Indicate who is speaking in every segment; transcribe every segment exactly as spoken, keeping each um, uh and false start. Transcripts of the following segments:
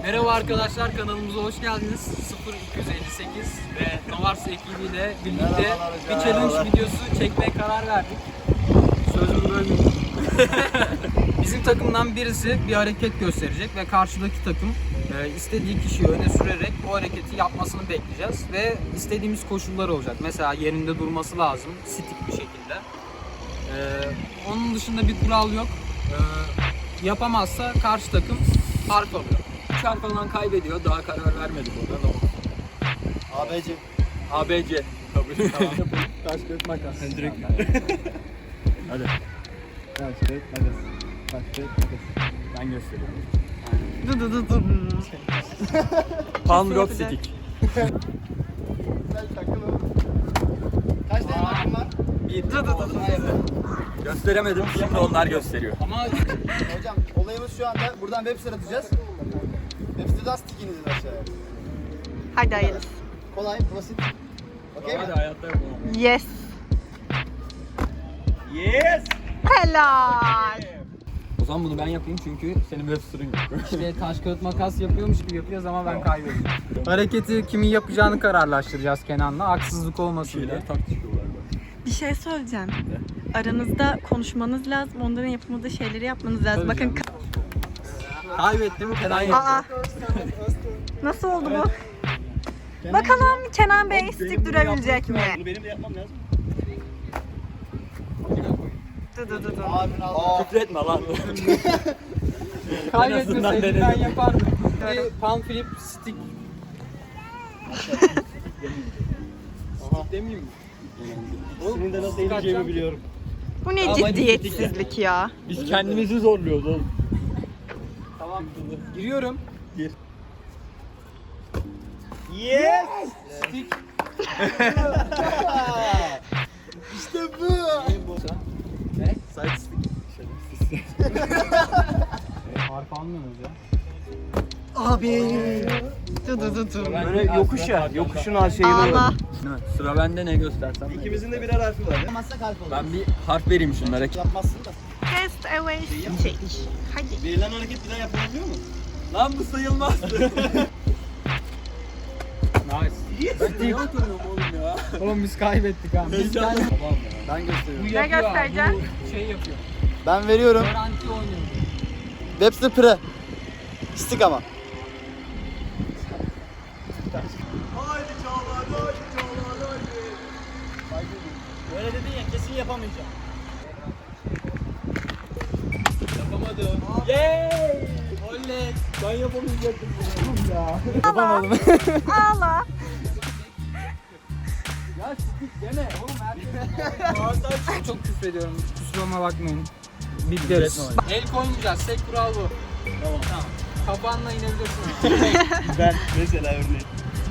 Speaker 1: Merhaba arkadaşlar, kanalımıza hoş geldiniz. sıfır iki yüz elli sekiz ve Novars ekibiyle birlikte bir challenge videosu çekmeye karar verdik. Sözümü bölmeyeyim. Bizim takımdan birisi bir hareket gösterecek ve karşıdaki takım e, istediği kişiyi öne sürerek o hareketi yapmasını bekleyeceğiz ve istediğimiz koşullar olacak. Mesela yerinde durması lazım, stik bir şekilde. E, onun dışında bir kural yok. E, yapamazsa karşı takım fark alıyor. üç harf alan kaybediyor. Daha karar vermedik orada.
Speaker 2: A B C.
Speaker 1: A B C. Kabul. Tamam.
Speaker 2: Taş kağıt makas.
Speaker 1: Direkt.
Speaker 2: Hadi. Taş kağıt makas. Taş kağıt makas.
Speaker 1: Ben gösteriyorum.
Speaker 3: Dı dı dı dı.
Speaker 1: Palm rock
Speaker 3: yapacak.
Speaker 1: stick.
Speaker 2: Güzel takılı. Kaç tane hakkın var?
Speaker 1: Bir dı dı dı. Gösteremedim. Şimdi onlar gösteriyor. Ama
Speaker 2: Hocam olayımız şu anda buradan web site atacağız. Web siteden stickinizi aşağıya.
Speaker 3: Hadi hayırlısı.
Speaker 2: Kolay, basit. Okey mi?
Speaker 1: hadi hayatta yapalım.
Speaker 3: Yes.
Speaker 1: Yes!
Speaker 3: Helal.
Speaker 1: O zaman bunu ben yapayım çünkü senin web site'ın yok. İşte taş kağıt makas yapıyormuş gibi yapacağız ama ben kaybedeceğim. Hareketi kimin yapacağını kararlaştıracağız Kenan'la. Haksızlık olmasın diye.
Speaker 2: tartışıyorlar.
Speaker 3: Bir şey söyleyeceğim. Aranızda konuşmanız lazım. Onların yapamadığı şeyleri yapmanız lazım. Bakın.
Speaker 1: Kaybettim Kenan yaptı.
Speaker 3: Aa. Nasıl oldu bu? Bakalım Kenan Bey stik durabilecek mi?
Speaker 2: Bunu benim de yapmam lazım.
Speaker 3: Dı dı dı dı.
Speaker 2: Abimin altı.
Speaker 1: Küfretme lan.
Speaker 3: Kaybetmeseydim
Speaker 1: denedim.
Speaker 3: ben yapardım.
Speaker 1: Bir palm flip stick. Stick demeyeyim mi?
Speaker 2: İkisini de nasıl eğileceğimi biliyorum.
Speaker 3: Bu ne
Speaker 1: Ama hadi
Speaker 3: ciddiyetsizlik ya?
Speaker 1: Biz kendimizi zorluyoruz oğlum. Tamam. Giriyorum.
Speaker 2: Gir. Yes!
Speaker 1: Stick.
Speaker 2: İşte bu.
Speaker 1: Ne?
Speaker 2: Side stick.
Speaker 1: Harf almıyoruz ya.
Speaker 2: Abi.
Speaker 3: Dı dı dı dı.
Speaker 2: Böyle yokuş ya. Yokuşun aşağıya
Speaker 3: Allah.
Speaker 1: Sıra bende, ne göstersem.
Speaker 2: İkimizin de birer harfi var. Yapmazsak harf olur.
Speaker 1: Ben bir harf vereyim şunlara.
Speaker 2: Yapmazsın da.
Speaker 3: Cast away stick. Hadi.
Speaker 2: Verilen hareket bir daha yapılabiliyor mu?
Speaker 1: Lan bu sayılmaz. Nice. Ben niye oturuyorum oğlum ya? Oğlum biz kaybettik ha. Biz
Speaker 2: Heyecanlı.
Speaker 1: gel-
Speaker 2: Ben gösteriyorum.
Speaker 1: Bu
Speaker 3: Ne
Speaker 1: yapıyor ha,
Speaker 3: göstereceksin?
Speaker 1: bu şey yapıyor.
Speaker 2: Ben veriyorum.
Speaker 1: Garanti oynuyor.
Speaker 2: Webster Pre. Stick ama. Haydi Çağlar, haydi Çağlar, haydi. Böyle dedin ya, kesin yapamayacağım.
Speaker 1: Yapamadım. Yeeey! Oley! Ben yapamayacaktım bunu ya.
Speaker 3: Yapamadım. Ağla.
Speaker 1: Ya stick deme oğlum, herkes. Çok küfrediyorum. Kusuruma bakmayın. Bitleriz. El koymayacağız. Tek kural bu.
Speaker 2: Tamam.
Speaker 1: Tamam. Kafanla inebilirsin.
Speaker 2: Ben mesela örneğin.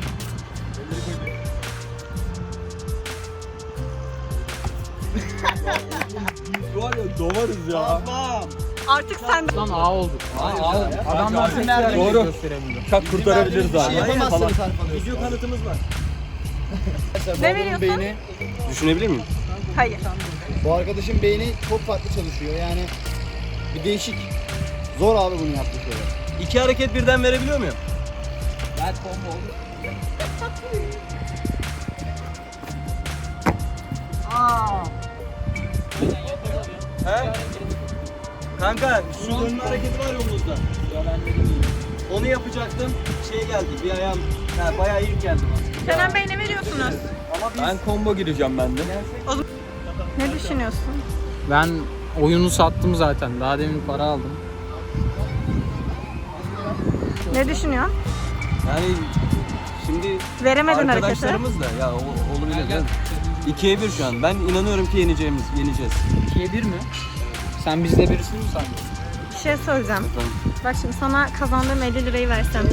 Speaker 1: Var ya dovarız ya.
Speaker 2: Tamam.
Speaker 3: Artık sen de.
Speaker 1: Lan A oldu.
Speaker 2: Hayır
Speaker 1: A
Speaker 2: ya.
Speaker 1: oldu.
Speaker 2: Bence
Speaker 1: Adamlar
Speaker 2: artık
Speaker 1: nerede
Speaker 2: nerede
Speaker 1: doğru
Speaker 2: gösteremiyor.
Speaker 1: Çak kurtarabiliriz
Speaker 2: Bir şey
Speaker 1: abi.
Speaker 2: yapamazsınız harf alıyorsun. Video kanıtımız var.
Speaker 3: Ne veriyorsun?
Speaker 2: Düşünebilir miyim?
Speaker 3: Hayır.
Speaker 2: Bu arkadaşın beyni çok farklı çalışıyor yani bir değişik. Zor abi bunu yaptığı şeyler. İki hareket birden verebiliyor muyum?
Speaker 1: Ben combo oldu. Aa.
Speaker 2: He? Kanka şu dönme hareketi var yolumuzda. Onu yapacaktım. Şey geldi bir ayağım. Yani bayağı iyi geldi bana.
Speaker 3: Kenan Bey ne veriyorsunuz?
Speaker 2: Ama biz
Speaker 1: Ben combo gireceğim ben de.
Speaker 3: Ne düşünüyorsun?
Speaker 1: Ben oyunu sattım zaten. Daha demin para aldım.
Speaker 3: Ne düşünüyorsun?
Speaker 2: yani şimdi
Speaker 3: Veremedin hareketi.
Speaker 2: arkadaşlarımız da ya o- olabilir değil mi? ikiye bir şu an. Ben inanıyorum ki yeneceğimiz, yeneceğiz.
Speaker 1: ikiye bir mi? Sen bizde birisin mi sandın?
Speaker 3: Bir şey söyleyeceğim. Bak şimdi sana kazandığım elli lirayı versem.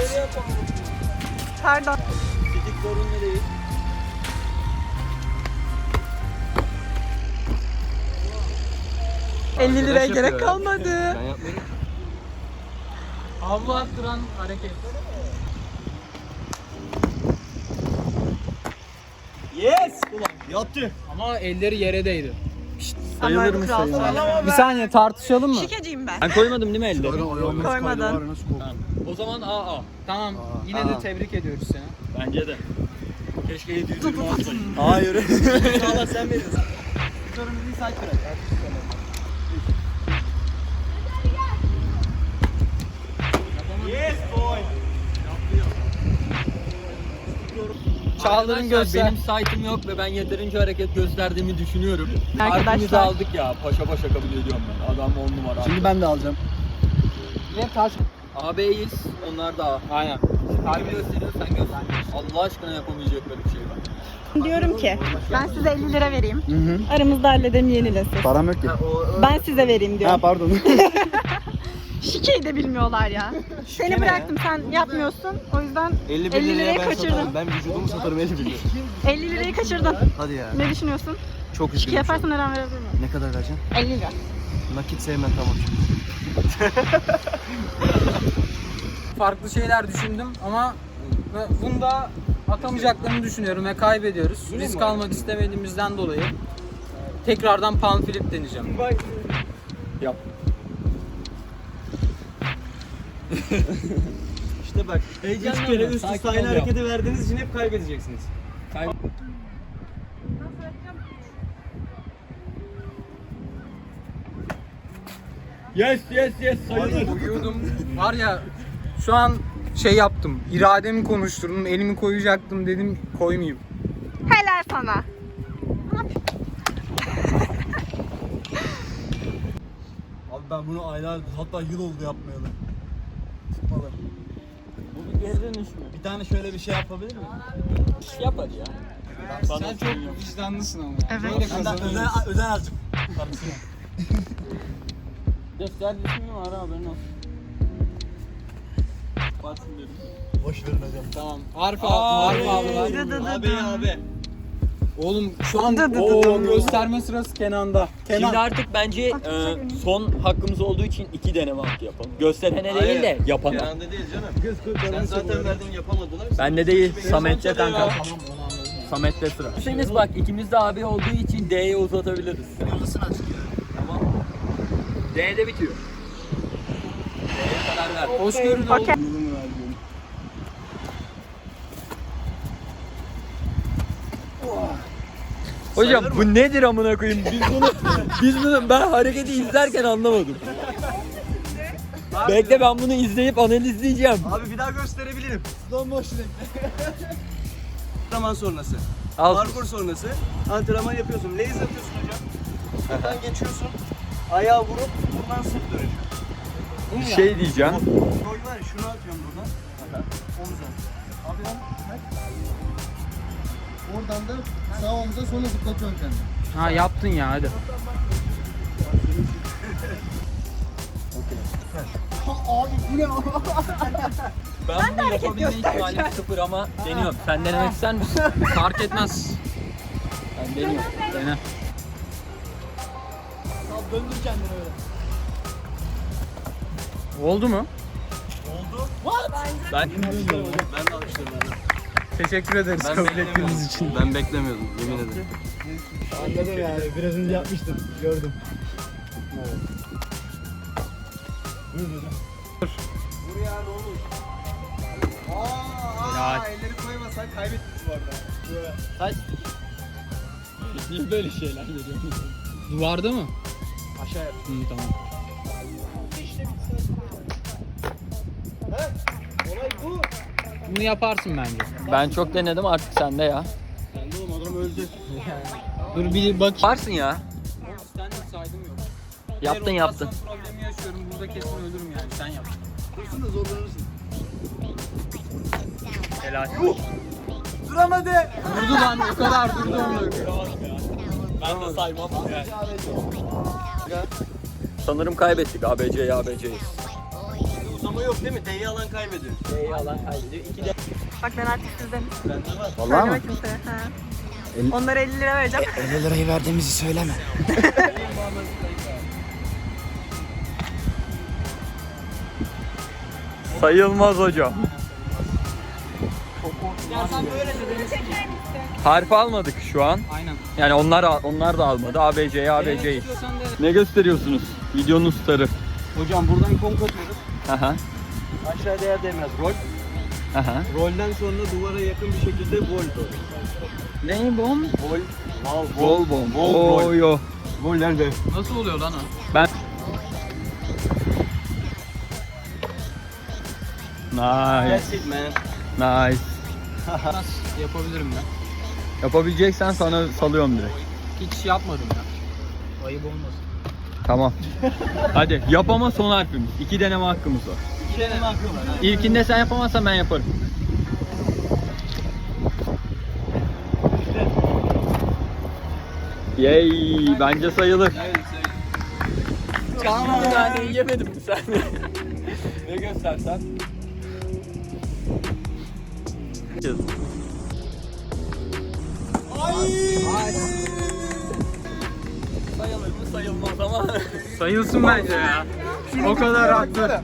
Speaker 3: Pardon.
Speaker 2: Fizik zorunlu değil.
Speaker 3: elli liraya
Speaker 1: Arkadaş
Speaker 3: gerek
Speaker 1: yapıyor ya.
Speaker 3: kalmadı.
Speaker 2: Ben yapmıyorum.
Speaker 1: Havlu attıran hareket.
Speaker 2: Yes! Ulan yaptı.
Speaker 1: Ama elleri yere değdi. Şşt,
Speaker 3: Sayılır
Speaker 4: mı sayılmaz?
Speaker 1: Bir saniye tartışalım mı?
Speaker 3: Şikeciyim ben.
Speaker 4: Ben koymadım değil mi elde?
Speaker 3: Koymadın.
Speaker 1: O zaman A A. Tamam. Yine de tebrik ediyoruz seni.
Speaker 4: Bence de. Keşke yedi yüz yirmi alsaydım.
Speaker 2: Hayır. İnşallah sen verirsin. Sorun bir saat bırak. Yes boy.
Speaker 1: Çağlar'ın göster.
Speaker 4: Benim site'ım yok ve ben yeterince hareket gösterdiğimi düşünüyorum.
Speaker 3: Arkadaşlar.
Speaker 4: Harfimizi aldık ya. Paşa paşa kabul ediyorum ben. Adam on numara.
Speaker 2: Şimdi ben de alacağım.
Speaker 1: Yine taş.
Speaker 4: A B'yiz. Onlar da A.
Speaker 1: Aynen.
Speaker 4: Harbi gösteriyor, sen göster. Allah aşkına yapamayacakları bir şey var.
Speaker 3: Diyorum ki ben size elli lira vereyim.
Speaker 2: Hı hı.
Speaker 3: Aramızda halledelim yenilesin.
Speaker 2: Param yok ki.
Speaker 3: Ben size vereyim
Speaker 2: Ha
Speaker 3: diyorum.
Speaker 2: pardon.
Speaker 3: Şikeyi de bilmiyorlar ya. Seni
Speaker 2: ne
Speaker 3: bıraktım sen yapmıyorsun. O yüzden
Speaker 2: elli
Speaker 3: elli lirayı kaçırdın.
Speaker 2: Ben vücudumu satarım elli bin liraya.
Speaker 3: elli lirayı kaçırdın.
Speaker 2: Hadi ya.
Speaker 3: Ne düşünüyorsun?
Speaker 2: Çok
Speaker 3: Şike
Speaker 2: üzgünüm.
Speaker 3: yaparsan her an verebilir miyim?
Speaker 2: Ne kadar vereceksin?
Speaker 3: elli lira.
Speaker 2: Nakit sevmem tamam.
Speaker 1: Farklı şeyler düşündüm ama bunda atamayacaklarını düşünüyorum ve kaybediyoruz. Risk almak istemediğimizden dolayı tekrardan palm flip deneyeceğim.
Speaker 4: Yap.
Speaker 2: İşte bak. Üç kere üst üste aynı hareketi verdiğiniz için hep kaybedeceksiniz.
Speaker 4: Yes yes yes sayılır.
Speaker 1: Uyuyordum. Var ya şu an şey yaptım. İrademi konuşturdum. Elimi koyacaktım dedim koymayayım.
Speaker 3: Helal sana.
Speaker 2: Abi ben bunu aylar hatta yıl oldu yapmayalı. Tutmalı.
Speaker 4: Bu bir geri dönüş mü?
Speaker 2: Bir tane şöyle bir şey yapabilir miyim?
Speaker 4: Yap hadi ya.
Speaker 1: Sen çok vicdanlısın ama.
Speaker 3: Evet.
Speaker 1: Böyle
Speaker 2: Özen,
Speaker 1: kazanıyoruz.
Speaker 2: özen, özen azıcık.
Speaker 4: Göster ismi var haberin olsun. Batsın dedim.
Speaker 2: Boş verin hocam.
Speaker 1: Tamam. Harf aldı. Harf aldılar.
Speaker 3: Dı dı dı
Speaker 2: Abi
Speaker 3: dı.
Speaker 2: abi.
Speaker 1: Oğlum şu an
Speaker 3: Dı dı dı
Speaker 1: o
Speaker 3: dı.
Speaker 1: gösterme sırası Kenan'da.
Speaker 4: Şimdi
Speaker 1: Kenan.
Speaker 4: artık bence e, son hakkımız olduğu için iki deneme hakkı yapalım. Gösterene değil de yapana.
Speaker 2: Kenan'da değil canım. Sen zaten verdin yapamadılar.
Speaker 4: Bende değil, Samet'te kanka.
Speaker 1: Tamam onu anladım.
Speaker 4: Samet'te sıra. Hüseyin'iz bak ikimiz de abi olduğu için D'ye uzatabiliriz.
Speaker 2: Yıldızını açık ya.
Speaker 4: Tamam. D'de bitiyor. D'ye karar ver.
Speaker 1: Hoşgörülü ol.
Speaker 3: Okey.
Speaker 4: Hocam bu nedir amına koyayım? Biz bunu biz bunu ben hareketi izlerken anlamadım. Bekle ben bunu izleyip analizleyeceğim.
Speaker 2: Abi bir daha gösterebilirim. Slow motion ekle. Antrenman sonrası.
Speaker 4: Al.
Speaker 2: Parkur sonrası. Antrenman yapıyorsun. Lays atıyorsun hocam. Buradan geçiyorsun. Ayağı vurup buradan sırt dönüyor.
Speaker 4: Bir şey diyeceğim.
Speaker 2: Koy var ya şunu atıyorum buradan. Omuza. Abi lan. Oradan da sağ omuza sonra zıplatıyorsun kendini.
Speaker 1: Ha yaptın ya hadi.
Speaker 4: Ben bunu yapabilme ihtimalim sıfır ama deniyorum. Sen denemek ister misin?
Speaker 1: Fark etmez.
Speaker 4: Ben deniyorum.
Speaker 1: Dene.
Speaker 2: Döndür kendini öyle.
Speaker 1: Oldu mu?
Speaker 4: Ben
Speaker 2: Ben de alıştırdım.
Speaker 1: Teşekkür ederiz kabul ettiğiniz için.
Speaker 2: Ben beklemiyordum yemin ederim.
Speaker 5: Anladım yani. Biraz önce yapmıştım. Gördüm.
Speaker 2: Buraya ne olur? Aa,
Speaker 1: Ya.
Speaker 2: aa, elleri koymasan kaybettiniz bu arada.
Speaker 4: kaç? Niye böyle şeyler geliyor?
Speaker 1: Duvarda mı?
Speaker 2: Aşağıya.
Speaker 1: Hı, tamam.
Speaker 2: Olay bu.
Speaker 1: Bunu yaparsın bence.
Speaker 4: Ben çok denedim artık sende ya.
Speaker 2: Ben de oğlum adam öldü.
Speaker 1: Dur bir bak.
Speaker 4: Varsın ya.
Speaker 1: Standart saydım yok.
Speaker 4: Yaptın
Speaker 1: Eğer
Speaker 4: yaptın.
Speaker 1: rotasyon problemi yaşıyorum. Burada kesin ölürüm yani. Sen yap.
Speaker 2: Dursun da zorlanırsın.
Speaker 4: Helal.
Speaker 2: Duramadı.
Speaker 1: Durdu lan o kadar durdu onu.
Speaker 4: Ben de saymam. Sanırım kaybettik A B C'yi A B C'yiz.
Speaker 2: Uzama yok değil mi? D'yi alan kaybediyor.
Speaker 4: D'yi alan kaybediyor. İki de.
Speaker 3: Bak ben artık sizdenim.
Speaker 2: Bende var.
Speaker 3: Söyleme kimseye. Ha. Onlara elli lira vereceğim.
Speaker 5: elli lirayı verdiğimizi söyleme.
Speaker 4: Sayılmaz hocam.
Speaker 3: Ya sen böyle de beni çeker misin?
Speaker 4: Harf almadık şu an.
Speaker 1: Aynen.
Speaker 4: Yani onlar onlar da almadı. A B C'yi A B C'yi.
Speaker 1: istiyorsan de.
Speaker 4: Ne gösteriyorsunuz? Videonun starı.
Speaker 2: Hocam buradan konk atıyoruz.
Speaker 4: Aha.
Speaker 2: Aşağıda yer değmez. Rol.
Speaker 4: Aha.
Speaker 2: Rolden sonra duvara yakın bir şekilde vol.
Speaker 4: Ne bom?
Speaker 2: Vol. Vol.
Speaker 4: Bol bom.
Speaker 2: Vol.
Speaker 4: Oo yo.
Speaker 2: Vol nerede?
Speaker 1: Nasıl oluyor lan o?
Speaker 4: Ben Nice.
Speaker 2: That's it man.
Speaker 4: Nice.
Speaker 1: Nasıl yapabilirim ben?
Speaker 4: Yapabileceksen sana salıyorum direkt.
Speaker 1: Hiç yapmadım ya. Ayıp olmasın.
Speaker 4: Tamam. Hadi yapama son harfimiz. İki deneme hakkımız var.
Speaker 2: İki deneme hakkı var. ha.
Speaker 4: İlkinde sen yapamazsan ben yaparım. Yay, bence sayılır. Tamam. Yani yemedim mi sen? Ne göstersen? Sayılır mı sayılmaz ama.
Speaker 1: Sayılsın bence ya. O kadar haklı.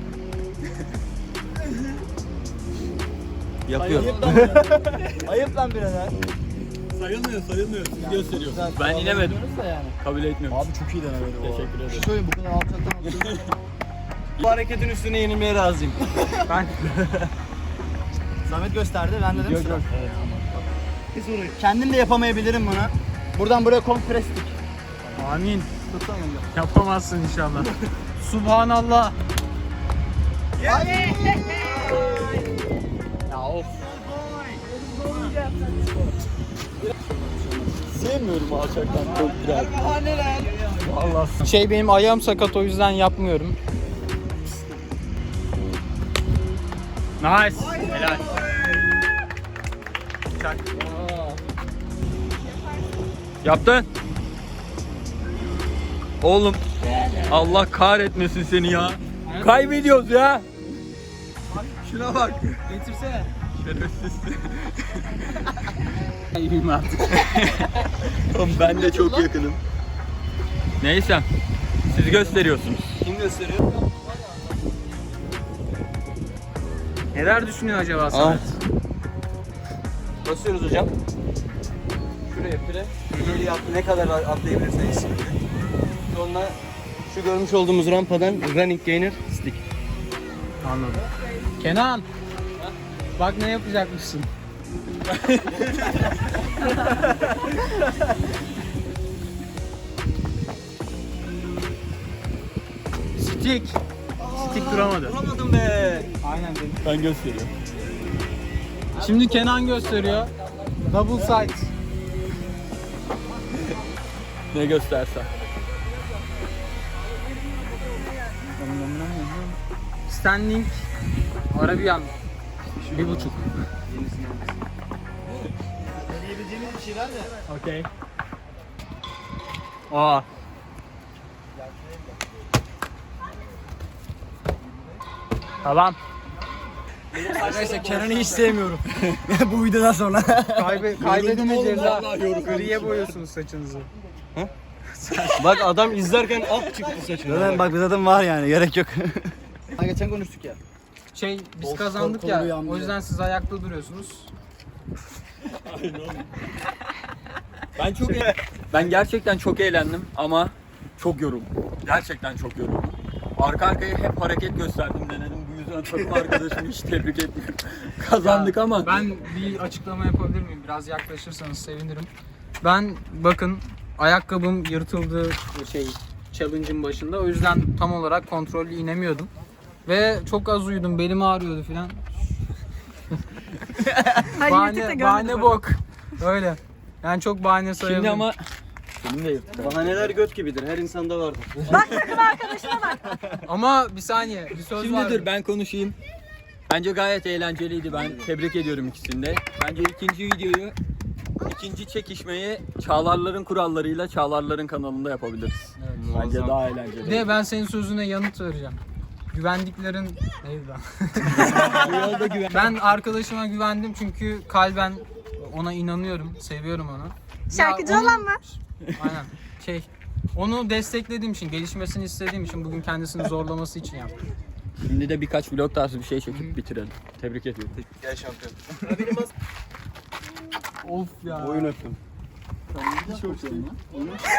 Speaker 4: Yapıyor.
Speaker 5: Ayıp lan birader.
Speaker 4: Sayılmıyor, sayılmıyor. Siz gösteriyorsunuz. Ben inemedim. Kabul etmiyorum.
Speaker 5: Abi çok iyi denemedi bu.
Speaker 4: Teşekkür ederim.
Speaker 5: Söyleyeyim bu kadar alçaktan
Speaker 2: Bu hareketin üstüne yenilmeye razıyım.
Speaker 1: Ben
Speaker 5: Samet gösterdi ben dedim
Speaker 4: Yok,
Speaker 5: sıra.
Speaker 4: yok.
Speaker 5: Evet. Kendim de yapamayabilirim bunu. Buradan buraya komprestik.
Speaker 1: amin. Yapamazsın inşallah. Subhanallah. Ya of.
Speaker 4: Sevmiyorum alçaktan çok biraz.
Speaker 1: Allah. Şey benim ayağım sakat o yüzden yapmıyorum. Nice. Helal. Çak.
Speaker 4: Yaptın. Oğlum. Allah kahretmesin seni ya. Kaybediyoruz ya. Şuna bak.
Speaker 1: Getirsene.
Speaker 4: Şerefsiz.
Speaker 1: İyiyim artık.
Speaker 4: Oğlum ben de çok yakınım. Neyse. Siz gösteriyorsunuz.
Speaker 2: Kim gösteriyor?
Speaker 1: Neler düşünüyor acaba Samet?
Speaker 2: Basıyoruz hocam. Şuraya pire. İleri at, ne kadar atlayabilirseniz şimdi. Sonra şu görmüş olduğumuz rampadan running gainer stick.
Speaker 1: Anladım. Kenan. Bak ne yapacakmışsın. Stick. Stick duramadı.
Speaker 2: Duramadım be.
Speaker 1: Aynen dedim.
Speaker 4: Ben gösteriyorum.
Speaker 1: Şimdi Kenan gösteriyor. Double side.
Speaker 4: Ne göstersen.
Speaker 1: Standing. Arabian. Bir buçuk.
Speaker 5: Deneyebileceğimiz bir şeyler de.
Speaker 1: Okey. Aa. Tamam.
Speaker 5: Arkadaşlar Kenan'ı hiç sevmiyorum. Bu videodan sonra.
Speaker 1: Kaybe kaybedince ceza. Griye boyuyorsunuz saçınızı.
Speaker 2: Bak adam izlerken ak çıktı saçına.
Speaker 5: Zaten bak zaten var yani gerek yok. Ha, geçen konuştuk ya.
Speaker 1: Şey biz
Speaker 5: Kol-
Speaker 1: kazandık
Speaker 5: kol-
Speaker 1: ya.
Speaker 5: kolu yandı.
Speaker 1: O yüzden siz ayakta duruyorsunuz.
Speaker 4: Ben çok eğ- ben gerçekten çok eğlendim ama çok yoruldum. Gerçekten çok yoruldum. Arka arkaya hep hareket gösterdim denedim. Bu yüzden takım arkadaşımı hiç tebrik etmiyorum. Kazandık
Speaker 1: Ya,
Speaker 4: ama.
Speaker 1: ben bir açıklama yapabilir miyim? Biraz yaklaşırsanız sevinirim. Ben bakın ayakkabım yırtıldı şey challenge'ın başında. O yüzden tam olarak kontrollü inemiyordum. Ve çok az uyudum. Belim ağrıyordu filan.
Speaker 3: Ay, yırtık da
Speaker 1: bahane,
Speaker 3: görmedim.
Speaker 1: bahane bok. Öyle. Yani çok bahane sayabilirim.
Speaker 4: Şimdi ama benim de yırttı.
Speaker 2: Bahaneler göt gibidir. Her insanda vardır.
Speaker 3: Bak takım arkadaşına bak.
Speaker 1: Ama bir saniye. Bir söz
Speaker 4: Şimdi
Speaker 1: var.
Speaker 4: dur ben konuşayım. Bence gayet eğlenceliydi. Ben tebrik ediyorum ikisini de. Bence ikinci videoyu, ikinci çekişmeyi Çağlarların kurallarıyla Çağlarların kanalında yapabiliriz. Bence daha eğlenceli.
Speaker 1: Bir de ben senin sözüne yanıt vereceğim. Güvendiklerin neydi lan?
Speaker 4: Bu yolda güven.
Speaker 1: Ben arkadaşıma güvendim çünkü kalben ona inanıyorum, seviyorum onu.
Speaker 3: Şarkıcı
Speaker 1: Ya onun-
Speaker 3: olan var.
Speaker 1: Aynen. Şey, onu desteklediğim için, gelişmesini istediğim için, bugün kendisini zorlaması için yaptım.
Speaker 4: Şimdi de birkaç vlog tarzı bir şey çekip bitirelim. Tebrik ediyorum.
Speaker 2: Gel şampiyon.
Speaker 1: Of ya.
Speaker 2: Boyun öptüm.
Speaker 4: Sen ne güzel kokuyorsun lan.